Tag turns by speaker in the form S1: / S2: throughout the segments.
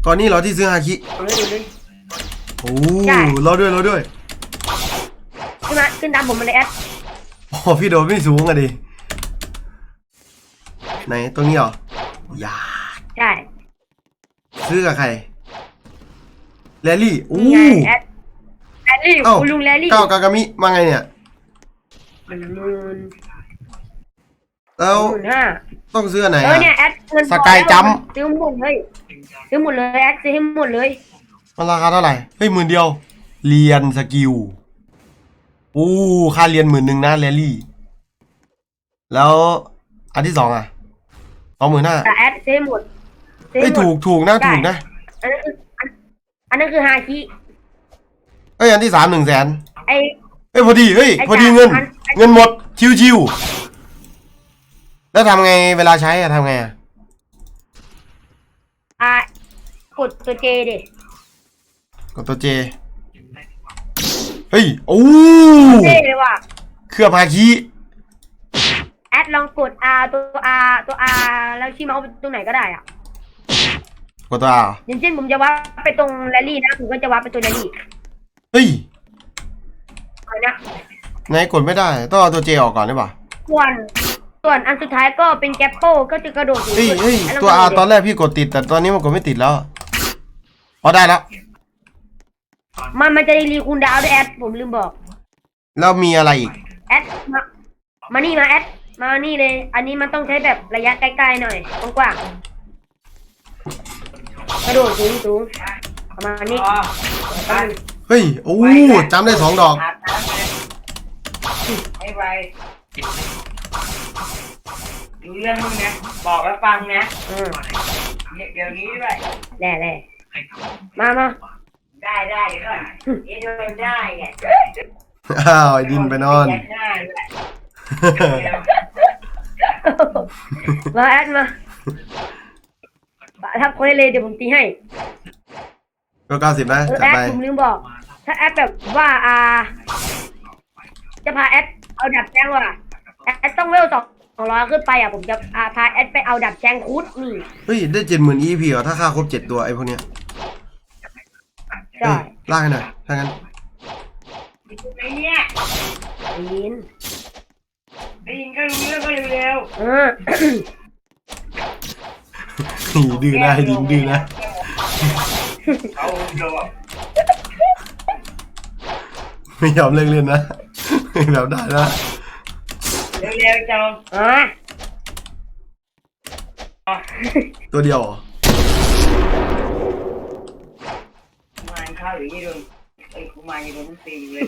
S1: ก่อนนี้เหรอที่ซื้อฮาคิโอ้รอด้วย
S2: ขึ้นตามผมมาเลยแอด
S1: โอ้พี่โดดไม่สูงอะดิไหนตรงนี้เหรออย่า
S2: ใช่
S1: ซื้อกับใครแรลลี่โอ้
S2: แอดลี่คุณลุงแรลลี่
S1: เก้ากากามิมาไงเนี่ยแล้วต้องซื้อไหน
S2: เนี่ยแอด
S1: สกายจัม
S2: ซื้อหมดเลยแอดซื้อให้หมดเลย
S1: มันราคาเท่าไหร่เฮ้ย10,000เรียนสกิลค่าเรียน10,000นะแรลลี่แล้วอันที่2อ่ะ25,000
S2: แต่แอดซื้อหมด
S1: ไม่ถูกนะถูกนะ
S2: อันนั้นคือฮาคิ
S1: อันที่3 100,000พอดีเงินหมดชิวๆแล้วทำไงเวลาใช้ทำไง
S2: กดตัวเจดิ
S1: กดตัวเจเฮ้ย
S2: เจเลยว่ะ
S1: เครื่องฮาคิ
S2: แอดลองกด R ตัว R แล้วชี้เมาส์ไปตรงไหนก็ได้อ่ะ
S1: กดตัว R
S2: อย่างเช่นผมจะวัดไปตรงแรลลี่นะผมก็จะวัดไปตัวแรลลี่
S1: เฮ้ย
S2: นะ
S1: ไหนกดไม่ได้ต้องเอาตัวเจออกก่อนได้ป่ะ
S2: ส่วนอันสุดท้ายก็เป็นแกปโป้ก็จะกระโดด
S1: เฮ้ยตัว R ตอนแรกพี่กดติดแต่ตอนนี้มันกดไม่ติดแล้วได้แล้ว
S2: มันจะรีคูณดาวด้วยแอดผมลืมบอก
S1: แล้วมีอะไรอีก
S2: แอดมานี่มาแอดมานี่เลยอันนี้มันต้องใช้แบบระยะใกล้ๆหน่อยกว้างกระโดดสูงประมาณนี้
S1: เฮ้ยจำได้2 ดอก
S3: ดูเรื่องมึงนะบอกแล้วฟังนะเดี๋ยวนี้ด้วย
S2: แน่มา
S3: ได้เดี๋ยวก่อนโดนได้ไง
S1: ไอ้ดินไปนอน
S2: มาแอดมาทับคนเลยเดี๋ยวผมตีให้
S1: ก็90นะ
S2: แอดผมลืมบอกถ้าแอดแบบว่าจะพาแอดเอาดับแจ้งว่ะแอดต้องเวล200ขึ้นไปผมจะพาแอดไปเอาดับแจ้งคุดนี่
S1: เฮ้ยได้70,000 EP เหรอถ้าค่าครบ7ตัวไอ้พวกเนี้ย
S2: ใช่
S1: ล่าให้หน่อยถ้างั้น
S3: ไอ้เนี่ยได้ยินก็รู้เรื่องก็เร็ว
S1: ดื้อนะดินดื้อนะไม่ยอมเล่นนะแบบได้นะ
S3: เร็วจัง
S1: ตัวเดียว
S3: มาข้าวหรือยี่โดนกูมายี่โดนตีเลย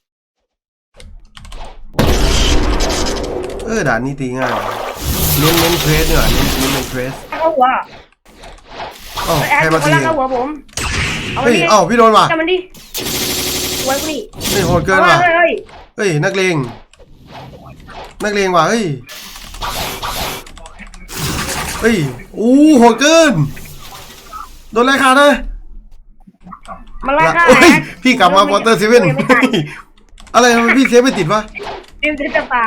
S3: เนี่ย
S1: ด่านนี้ตีง่ายเน้นเทรสเนี่ยเน้นเทรส
S2: เข้าหัว
S1: ใครมาตี
S2: เข้าหัวผม
S1: พี่โดนว่ะ
S2: จับมันดิไว้กูนี่
S1: โหดเกินว่ะเฮ้ยนักเลงว่ะเฮ้ยโหดเกินโดนไล่ขาดเลย
S2: มาไล่ขาด
S1: พี่กลับมาวอเตอร์เซเว่นอะไรทำไมพี่เซฟไม่ติดวะ
S2: ติดจะเปล่า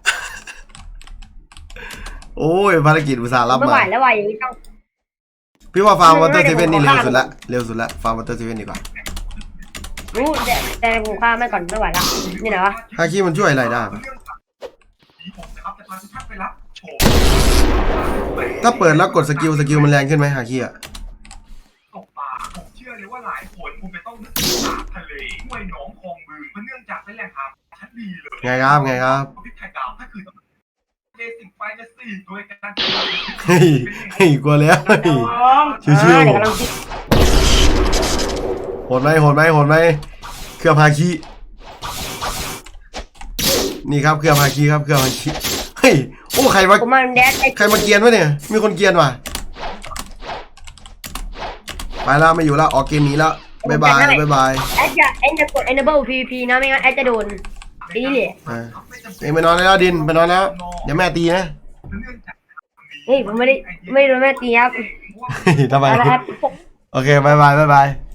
S1: ภารกิจอุตส่าห์รับมา
S2: ไม่ไหวแล้วว่ะอย่างนี้ต้อง
S1: พี่ว่าฟาร์มวอเตอร์เซเว่นนี่เร็วสุดละฟาร์มวอเตอร์เซเว่นดีกว่า
S2: รู้แต่ผมฆ่าไม่ก่อนไม่ไหวละนี่นะวะ
S1: ฮาคิมันช่วยอะไรได้ถ้าเปิดแล้วกดสกิลมันแรงขึ้นไหมฮาคิอะ
S4: ตกปลาผมเชื่อเลยว่าหลายคนคงจะต้องนึกถึงทะเลห้วยหนองคลองบึงเพราะเนื่องจากเป็นแหล่งอาหารชั้นดีเลย
S1: ไงครับ
S4: พิษไทยดาวถ้าคือเจสิงไฟจะสี่โดยการ
S1: กลัวแล้วชิวโหดไหมเครื่องฮาคินี่ครับเครื่องฮาคิเฮ้ยใครมาเกียนวะเนี่ยมีคนเกียนว่ะไปแล้วไม่อยู่แล้วออกเกมนี้แล้วบ๊ายบาย
S2: แอดจะกด enable PVP นะไม่งั้นแอดจะโดนตีเลย
S1: ไปนอนแล้วดินไปนอนแล้วเดี๋ยวแม่ตีนะ
S2: ผมไม่โดนแม่ตีครับ
S1: ทำไมโอเคบ๊ายบาย